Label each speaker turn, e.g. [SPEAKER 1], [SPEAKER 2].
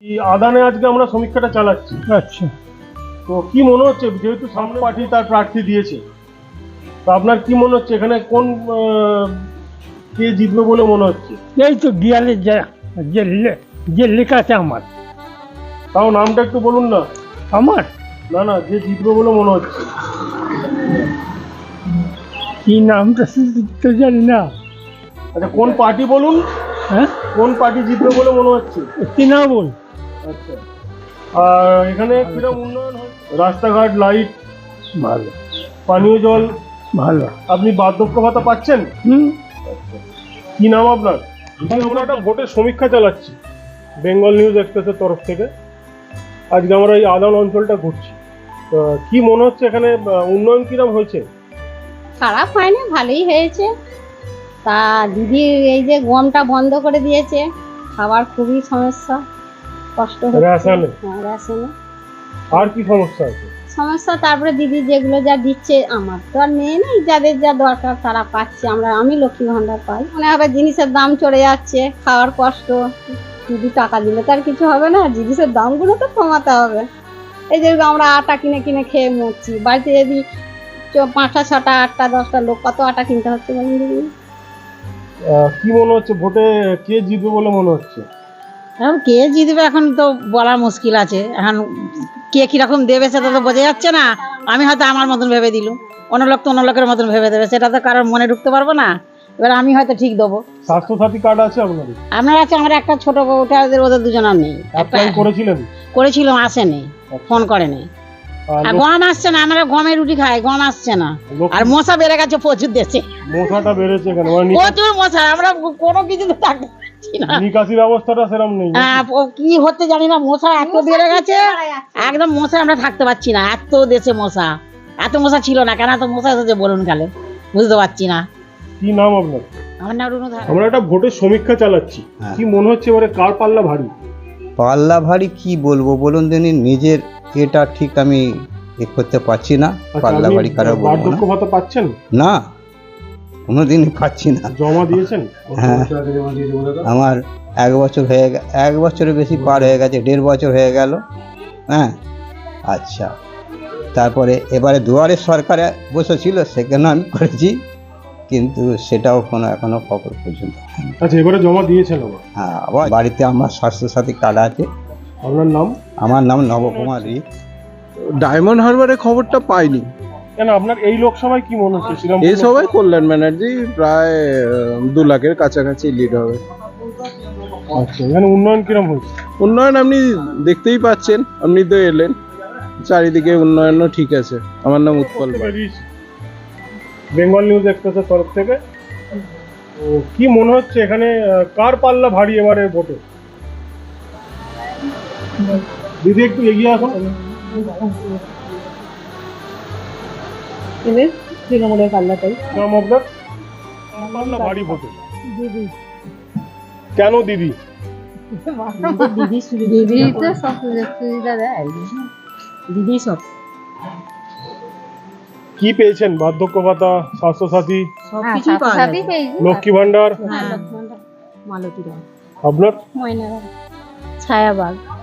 [SPEAKER 1] এই আদানে আজকে আমরা সমীক্ষাটা চালাচ্ছি।
[SPEAKER 2] আচ্ছা,
[SPEAKER 1] তো কি মনে হচ্ছে, যেহেতু সামনে পার্টি তার প্রার্থী দিয়েছে, তো আপনার কি মনে হচ্ছে এখানে কোন কে জিতবে বলে মনে হচ্ছে?
[SPEAKER 2] এই তো দেয়ালে যে লেখা আছে আমার।
[SPEAKER 1] তাও নামটা একটু বলুন না।
[SPEAKER 2] আমার
[SPEAKER 1] না, যে জিতবে বলে মনে হচ্ছে।
[SPEAKER 2] কি নামটা তো জানি না।
[SPEAKER 1] আচ্ছা, কোন পার্টি বলুন,
[SPEAKER 2] হ্যাঁ,
[SPEAKER 1] কোন পার্টি জিতবে বলে মনে হচ্ছে?
[SPEAKER 2] তৃণমূল।
[SPEAKER 1] আচ্ছা, আর এখানে কিরকম উন্নয়ন হয়? রাস্তাঘাট, লাইট,
[SPEAKER 2] ভালো
[SPEAKER 1] পানীয় জল,
[SPEAKER 2] ভালো।
[SPEAKER 1] আপনি বার্ধক্য ভাতা পাচ্ছেন? কি নাম আপনার? আমরা একটা ভোটের সমীক্ষা চালাচ্ছি বেঙ্গল নিউজ এক্সপ্রেসের তরফ থেকে। আজকে আমরা এই আদান অঞ্চলটা ঘুরছি। তো কি মনে হচ্ছে এখানে উন্নয়ন কিরকম হয়েছে?
[SPEAKER 3] খারাপ হয়নি, ভালোই হয়েছে। তা দিদি এই যে গমটা বন্ধ করে দিয়েছে, খাবার খুবই সমস্যা, কষ্ট হচ্ছে।
[SPEAKER 1] রেশনে?
[SPEAKER 3] হ্যাঁ, রেশনে
[SPEAKER 1] আর কি সমস্যা আছে?
[SPEAKER 3] সমস্যা। তারপরে দিদি যেগুলো যা দিচ্ছে, আমার তো আর মেয়ে নেই, যাদের যা দরকার তারা পাচ্ছে। আমি লক্ষ্মী ভান্ডার পাই। মনে হবে জিনিসের দাম চড়ে যাচ্ছে, খাওয়ার কষ্ট। দিদি টাকা দিলে তার কিছু হবে না, জিনিসের দামগুলো তো কমাতে হবে। এই যে আমরা আটা কিনে কিনে খেয়ে মরছি, বাড়িতে যদি 5টা 6টা 8টা 10টা লোক, কত আটা কিনতে হচ্ছে বলুন দিদি?
[SPEAKER 1] কি মনে হচ্ছে ভোটে কে জিতবে বলে মনে হচ্ছে?
[SPEAKER 4] এখন কে জিতবে এখন তো বলা মুশকিল আছে। এখন কে কিরকম দেবে সেটা তো বোঝা যাচ্ছে না। আমি হয়তো আমার মতন ভেবে দিলুম, অন্য লোক তো অন্য লোকের মতন ভেবে দেবে, সেটা তো কারোর মনে ঢুকতে পারবো না। এবার আমি হয়তো ঠিক দেবো।
[SPEAKER 1] স্বাস্থ্যসাথী কার্ড আছে আপনাদের?
[SPEAKER 4] আপনার আছে? আমার একটা ছোট বউটা, ওদের দুজনের নেই।
[SPEAKER 1] অ্যাপ্লাই করেছিলেন?
[SPEAKER 4] করেছিলাম, আসেনি, ফোন করেনি। আর গম আসছে না, আমরা গমের রুটি খাই, গম আসছে না। আর মশা বেড়ে গেছে প্রচুর দেশে,
[SPEAKER 1] মশাটা বেড়েছে কেন?
[SPEAKER 4] প্রচুর মশা, আমরা কোনো কিছুতে থাকতে পারছি না।
[SPEAKER 1] নিকাশি ব্যবস্থাটা সেরকম নেই?
[SPEAKER 4] কি হচ্ছে জানি না, মশা এত বেড়ে গেছে, একদম মশা আমরা থাকতে পারছি না। এত দেশে মশা, এত মশা ছিল না, কেন এত মশা এসেছে বলুন কালে, বুঝতে পারছি না।
[SPEAKER 1] কি নাম আপনার?
[SPEAKER 4] আমার নাম রুনু ধারা।
[SPEAKER 1] আমরা একটা ভোটের সমীক্ষা চালাচ্ছি। কি মনে হচ্ছে এবারে কার পাল্লা ভারী?
[SPEAKER 5] পাল্লা ভারী কি বলবো বলুন দিনই, নিজের এটা ঠিক আমি করতে পারছি না। পাল্লা ভারী কারো বলবো না।
[SPEAKER 1] বার্ধক্য ভাতা পাচ্ছেন?
[SPEAKER 5] না, কোনোদিনই পাচ্ছি না।
[SPEAKER 1] জমা দিয়েছেন?
[SPEAKER 5] হ্যাঁ, আমার 1 বছর হয়ে 1 বছরের বেশি পার হয়ে গেছে, 1.5 বছর হয়ে গেল। হ্যাঁ, আচ্ছা। তারপরে এবারে দুয়ারে সরকারে বসেছিল, সেখানে আমি করেছি, কিন্তু সেটাও এখনো খবর পর্যন্ত হয়নি।
[SPEAKER 1] আচ্ছা, এবারে জমা দিয়েছেন আবার?
[SPEAKER 5] হ্যাঁ, আবার বাড়িতে আমার স্বাস্থ্যসাথী কার্ড আছে।
[SPEAKER 1] আপনার নাম?
[SPEAKER 5] আমার নাম নবকুমার রিক।
[SPEAKER 6] ডায়মন্ড হারবারের খবরটা পাইনি।
[SPEAKER 1] কেন, আপনার এই লোকসভায় কি মনে হচ্ছে?
[SPEAKER 6] এই সবাই কল্যাণ ব্যানার্জি প্রায় 2 লাখের কাছাকাছি লিড হবে।
[SPEAKER 1] আচ্ছা, এখানে উন্নয়ন কিরম হয়েছে?
[SPEAKER 6] উন্নয়ন আপনি দেখতেই পাচ্ছেন, আপনি তো এলেন, চারিদিকে উন্নয়নও ঠিক আছে। আমার নাম উৎপল পাল।
[SPEAKER 1] বেঙ্গল নিউজ এক্সপ্রেসের তরফ থেকে। তো কি মনে হচ্ছে এখানে কার পাল্লা ভারী এবারে ভোটে? দিদি একটু এগিয়ে আসুন।
[SPEAKER 3] তৃণমূলের পাল্লাটাই।
[SPEAKER 1] নাম আপনার? পাল্লা ভারী ভোটে
[SPEAKER 3] দিদি।
[SPEAKER 1] কেন দিদি?
[SPEAKER 3] দিদি তো সব সুযোগ সুবিধা দেয়, দিদি সব।
[SPEAKER 1] কি পেয়েছেন? বার্ধক্য ভাতা, স্বাস্থ্যসাথী,
[SPEAKER 3] সবই পেয়েছি।
[SPEAKER 1] লক্ষ্মী ভান্ডার?
[SPEAKER 3] মালতী রায়।
[SPEAKER 1] আপনার?
[SPEAKER 3] ময়না রায়। ছায়াবাগ।